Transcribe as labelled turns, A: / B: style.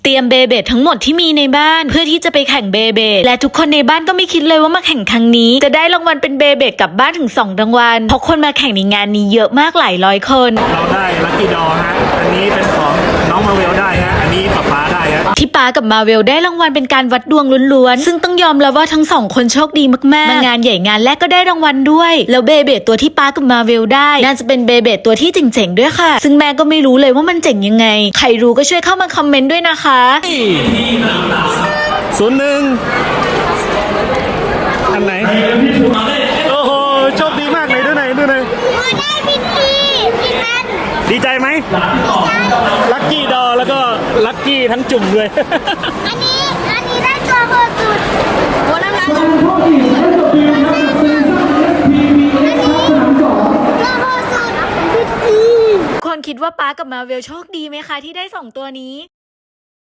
A: เตรียมเบเบดทั้งหมดที่มีในบ้านเพื่อที่จะไปแข่งเบเบดและทุกคนในบ้านก็ไม่คิดเลยว่ามาแข่งครั้งนี้จะได้รางวัลเป็นเบเบดกลับบ้านถึง2รางวัลเพราะคนมาแข่งในงานนี้เยอะมากหลายร้อยคน
B: เราได้ลัคกี้ดอฮะอันนี้เป็นของน้องมาเวลได้ฮะอันนี้ป๊าได้ฮะ
A: ที่ป๊ากับมาเวลได้รางวัลเป็นการวัดดวงล้วนๆซึ่งต้องยอมรับว่าทั้ง2คนโชคดีมากๆมางานใหญ่งานแรกก็ได้รางวัลด้วยแล้วเบเบดตัวที่ป๊ากับมาเวลได้น่าจะเป็นเบเบดตัวที่เจ๋งๆด้วยค่ะซึ่งแม่ก็ไม่รู้เลยว่ามันเจ๋งยังไงใครรู้ก็ช่วยเข้ามาคอมเมนต์ด้วยนะคะ
B: 01อันไหนโอ้โหโชคดีมากเลยดูหน่อย
C: ได้พี่ทัน
B: ดีใจไหมลัคกี้ดอแล้วก็ลัคกี้ทั้งจุ่มเลย
C: อันนี้ได้ตัวโหดสุดโอ้น้ำลายตัวโหดสุด
A: คนคิดว่าป๊ากับมาเวลโชคดีไหมคะที่ได้2ตัวนี้